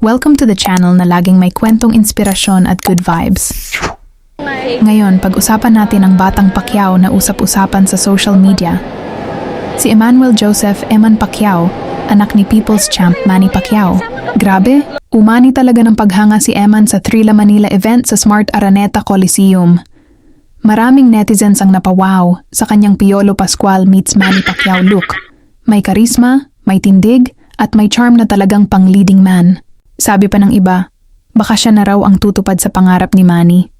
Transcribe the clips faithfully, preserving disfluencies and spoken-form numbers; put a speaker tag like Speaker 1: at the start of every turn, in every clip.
Speaker 1: Welcome to the channel na laging may kwentong inspirasyon at good vibes. Ngayon, pag-usapan natin ang batang Pacquiao na usap-usapan sa social media. Si Emmanuel Joseph Eman Pacquiao, anak ni People's Champ Manny Pacquiao. Grabe, umani talaga ng paghanga si Eman sa Thrilla Manila event sa Smart Araneta Coliseum. Maraming netizens ang napawaw sa kanyang Piolo Pascual meets Manny Pacquiao look. May karisma, may tindig, at may charm na talagang pang-leading man. Sabi pa ng iba, baka siya na raw ang tutupad sa pangarap ni Manny.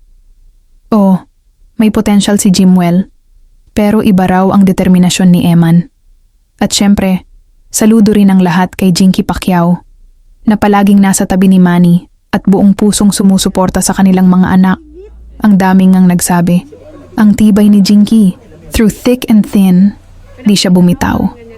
Speaker 1: Oh, may potential si Jimwell, pero iba raw ang determinasyon ni Eman. At syempre, saludo rin ang lahat kay Jinky Pacquiao, na palaging nasa tabi ni Manny at buong pusong sumusuporta sa kanilang mga anak. Ang daming ngang nagsabi, ang tibay ni Jinky, through thick and thin, di siya bumitaw.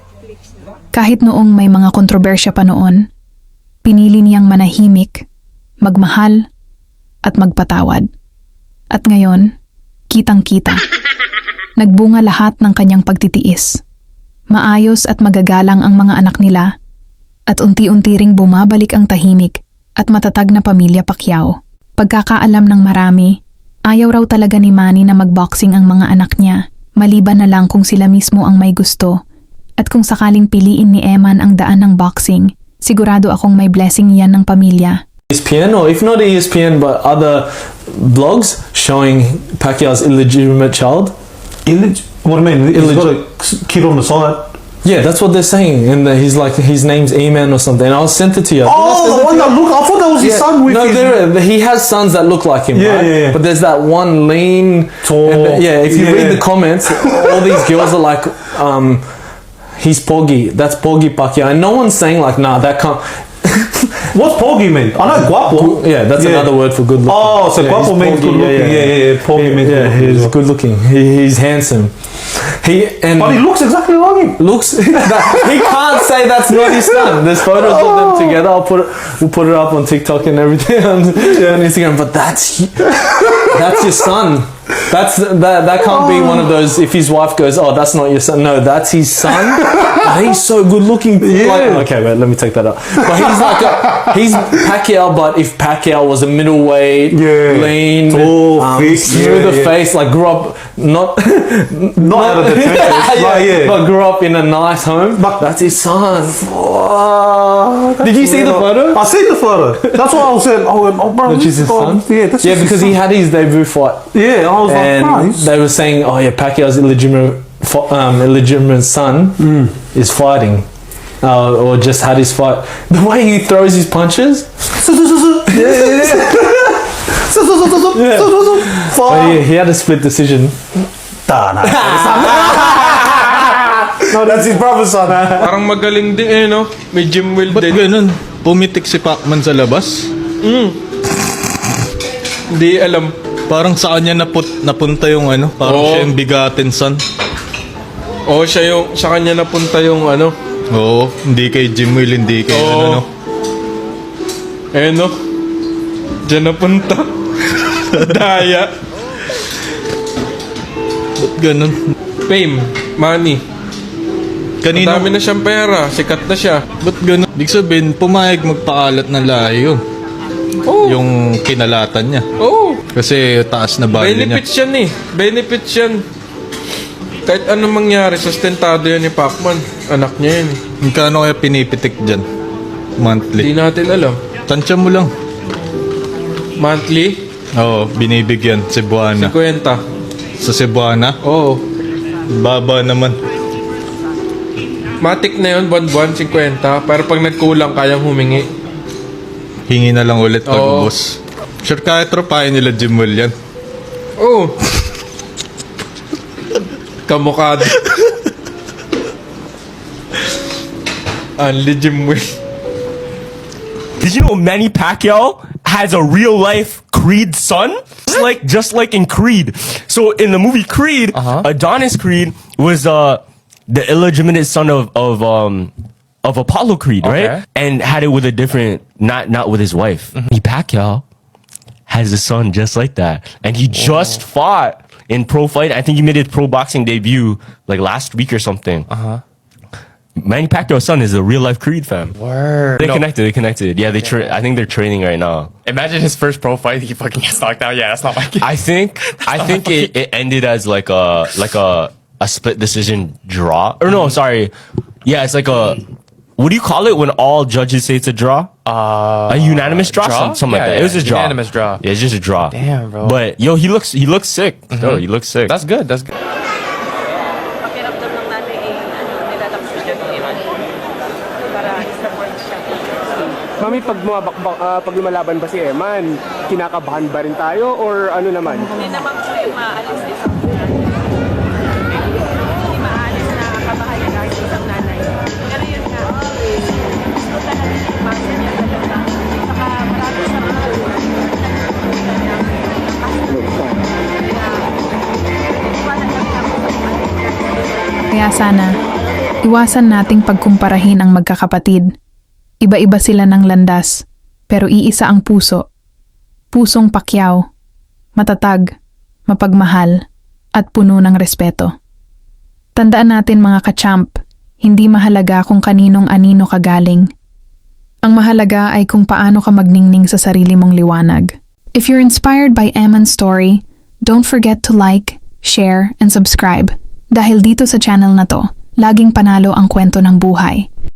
Speaker 1: Kahit noong may mga kontrobersya pa noon, pinili niyang manahimik, magmahal, at magpatawad. At ngayon, kitang-kita, nagbunga lahat ng kanyang pagtitiis. Maayos at magagalang ang mga anak nila, at unti-unti ring bumabalik ang tahimik at matatag na pamilya Pacquiao. Pagkakaalam ng marami, ayaw raw talaga ni Manny na magboxing ang mga anak niya, maliban na lang kung sila mismo ang may gusto. At kung sakaling piliin ni Eman ang daan ng boxing, sigurado akong may blessing yan ng pamilya.
Speaker 2: E S P N, or if not E S P N, but other blogs showing Pacquiao's illegitimate child.
Speaker 3: Illeg- what do you mean? He's
Speaker 2: Illeg-
Speaker 3: got a kid on the side.
Speaker 2: Yeah, that's what they're saying, and he's like his name's Eman or something. I'll send it to you.
Speaker 3: Oh, the one that look. I thought that was his
Speaker 2: Yeah.
Speaker 3: son with
Speaker 2: no,
Speaker 3: his...
Speaker 2: there, he has sons that look like him,
Speaker 3: Yeah,
Speaker 2: right?
Speaker 3: yeah, yeah.
Speaker 2: But there's that one lean,
Speaker 3: Tall.
Speaker 2: and the- yeah, if you
Speaker 3: Yeah.
Speaker 2: read the comments, all these girls are like, um, he's Poggy. That's Poggy Pacquiao, and no one's saying like, nah, that can't.
Speaker 3: What's Poggy mean? I know guapo.
Speaker 2: Yeah, that's
Speaker 3: Yeah.
Speaker 2: another word for good looking.
Speaker 3: Oh, so
Speaker 2: Yeah,
Speaker 3: guapo
Speaker 2: he's
Speaker 3: means
Speaker 2: Poggy,
Speaker 3: good looking. Yeah, yeah, yeah. Poggy means
Speaker 2: yeah,
Speaker 3: good looking.
Speaker 2: he's
Speaker 3: as well.
Speaker 2: good looking. He, he's handsome. He and
Speaker 3: But he looks exactly like him.
Speaker 2: looks that, he can't say that's not his son. There's photos of them together. I'll put it, we'll put it up on TikTok and everything on, on Instagram. But that's that's your son. That's that that can't be one of those. If his wife goes, oh, that's not your son. No, that's his son. And he's so good looking.
Speaker 3: Yeah.
Speaker 2: Like, okay, wait, let me take that up. But he's like a, he's Pacquiao. But if Pacquiao was a middleweight,
Speaker 3: Yeah.
Speaker 2: lean,
Speaker 3: Tall,
Speaker 2: um,
Speaker 3: thick,
Speaker 2: smooth
Speaker 3: yeah,
Speaker 2: of
Speaker 3: yeah.
Speaker 2: face, like grew up not
Speaker 3: Not out of the trenches.
Speaker 2: yeah,
Speaker 3: Like, yeah.
Speaker 2: but grew up in a nice home.
Speaker 3: But-
Speaker 2: That's his son.
Speaker 3: Oh, that's
Speaker 2: Did you see the
Speaker 3: weird.
Speaker 2: photo?
Speaker 3: I seen the photo. That's what I was saying. Oh, oh bro,
Speaker 2: Which is his
Speaker 3: oh,
Speaker 2: son?
Speaker 3: Yeah, that's
Speaker 2: Yeah,
Speaker 3: just his
Speaker 2: because he
Speaker 3: son.
Speaker 2: had his debut fight,
Speaker 3: Yeah, I was like,
Speaker 2: and
Speaker 3: bro, he's-
Speaker 2: they were saying, "Oh yeah, Pacquiao's illegitimate, fo- um, illegitimate son is fighting, uh, or just had his fight." The way he throws his punches,
Speaker 3: yeah, yeah, yeah.
Speaker 2: Yeah.
Speaker 3: Fuck.
Speaker 2: but he, he had a split decision.
Speaker 3: Nah, nah, no, that's his brother's son.
Speaker 4: Parang magaling din eh, no? May gym will
Speaker 5: Ba't
Speaker 4: din.
Speaker 5: ganun? Pumitik si Pacman sa labas?
Speaker 4: Hindi alam.
Speaker 5: Parang sa kanya naput, napunta yung ano? Parang
Speaker 4: Oo.
Speaker 5: siya yung bigatin son.
Speaker 4: Oo, siya yung, sa kanya napunta yung ano.
Speaker 5: Oo, hindi kay Jim Will, hindi kay
Speaker 4: Oo.
Speaker 5: ano no.
Speaker 4: Eh, no? Diyan napunta. Daya.
Speaker 5: Ba't ganun?
Speaker 4: Fame. Money.
Speaker 5: Kanino?
Speaker 4: Dami na siyang pera. Sikat na siya.
Speaker 5: Ba't ganun? Ibig sabihin, pumayag magpakalat ng lahi yun.
Speaker 4: Oo.
Speaker 5: Yung kinalatan niya.
Speaker 4: Oo.
Speaker 5: Kasi taas na value niya.
Speaker 4: Benefits yan eh. Benefits yan. Kahit anong mangyari, sustentado yan ni Pacman. Anak niya yan eh.
Speaker 5: Magkano kaya pinipitik dyan?
Speaker 4: Hindi
Speaker 5: Monthly.
Speaker 4: natin alam.
Speaker 5: Tansya mo lang.
Speaker 4: Monthly,
Speaker 5: Oo, binibigyan. Cebuana.
Speaker 4: kwenta.
Speaker 5: Sa Cebuana,
Speaker 4: Oo.
Speaker 5: baba naman.
Speaker 4: Matik na yun, buwan-buwan, kwenta. Pero pag nagkulang, kayang humingi.
Speaker 5: Hingi na lang ulit pag
Speaker 4: Oo.
Speaker 5: ubos. Sure, kahit tropahin nila Jim Will yan.
Speaker 4: Oo. Kamukha din. Unli Jim Will.
Speaker 6: Did you know Manny Pacquiao has a real life Creed son? Just like just like in Creed. So in the movie Creed, Adonis Creed was uh the illegitimate son of of um of Apollo Creed, right? And had it with a different not not with his wife. Manny Pacquiao has a son just like that. And he just fought in pro fight. I think he made his pro boxing debut like last week or something. Manny Pacquiao's son is a real life Creed fan.
Speaker 7: Word.
Speaker 6: They
Speaker 7: No.
Speaker 6: connected. They connected. Yeah, they. Tra- I think they're training right now.
Speaker 7: Imagine his first pro fight. He fucking gets knocked out. Yeah, that's not my kid.
Speaker 6: I think. I think it, it ended as like a like a a split decision draw. Or no, sorry. Yeah, it's like a. What do you call it when all judges say it's a draw?
Speaker 7: Uh,
Speaker 6: A unanimous draw,
Speaker 7: draw?
Speaker 6: Some, something
Speaker 7: Yeah,
Speaker 6: like that.
Speaker 7: yeah,
Speaker 6: It was just draw.
Speaker 7: unanimous draw.
Speaker 6: Yeah, it's just a draw.
Speaker 7: Damn, bro.
Speaker 6: But yo, he looks he looks sick. Yo, he looks sick.
Speaker 7: That's good. That's good.
Speaker 8: Pakiramdam ng nanay ay ano, nilalapos siya ng iman para i-support siya.
Speaker 9: Mami, pag, bumabakbak, ah, pag lumalaban ba si Eman, kinakabahan ba rin tayo or ano naman?
Speaker 8: Hindi naman po yung maalis sa isang nanay. Hindi maalis na kabahay na sa isang nanay. Pero yun nga, eh, gusto talaga yung masa niya talaga. Saka marami sa mga nagpupunta niya. Wala kami ako sa mga
Speaker 1: Kaya sana, iwasan nating pagkumparahin ang magkakapatid. Iba-iba sila ng landas, pero iisa ang puso. Pusong Pacquiao, matatag, mapagmahal, at puno ng respeto. Tandaan natin mga kachamp, hindi mahalaga kung kaninong anino ka galing. Ang mahalaga ay kung paano ka magningning sa sarili mong liwanag. If you're inspired by Eman's story, don't forget to like, share, and subscribe. Dahil dito sa channel na to, laging panalo ang kwento ng buhay.